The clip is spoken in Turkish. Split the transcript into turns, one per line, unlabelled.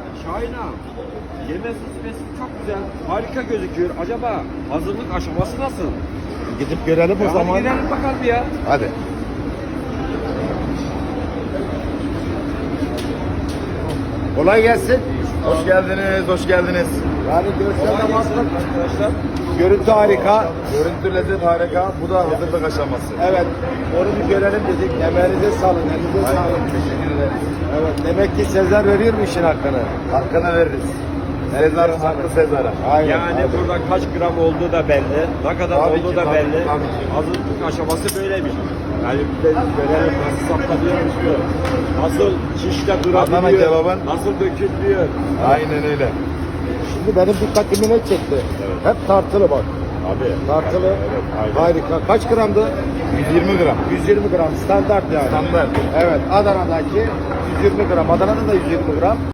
Şahin ağam, yeme süsmesi çok güzel, harika gözüküyor. Acaba hazırlık aşaması nasıl?
Gidip görelim o
Ya
zaman.
hadi gidelim bakalım ya.
Hadi. Kolay gelsin.
Hoş geldiniz, hoş geldiniz.
Yani görsel
Kolay
amaçlı
gelsin arkadaşlar.
görüntü harika.
Görüntü lezzet harika. Bu da hazırlık aşaması.
Evet. Onu bir görelim dedik. Emeğinize sağlık. Elinize
Aynen,
sağlık.
teşekkür ederiz.
Evet. Demek ki Sezer veriyor mu işin hakkını?
Hakkını veririz. Sezar, haklı Sezar'a.
Aynen.
Yani burada kaç gram olduğu da belli, ne kadar
Tabii
olduğu
ki,
da
tabii,
belli.
tabii ki.
Hazırlık aşaması böyleymiş. Yani bir de görelim nasıl saptanıyormuş diyor. Nasıl şişte
Adana
durabiliyor,
kebabın.
nasıl dökülüyor.
Aynen öyle.
Şimdi benim dikkatimi ne çekti? Hep tartılı bak.
Abi.
Tartılı.
Evet, aynen.
Harika. Kaç gramdı?
120 gram.
120 gram. Standart yani.
Standart.
Evet. Adana'daki 120 gram. Adana'da da 120 gram.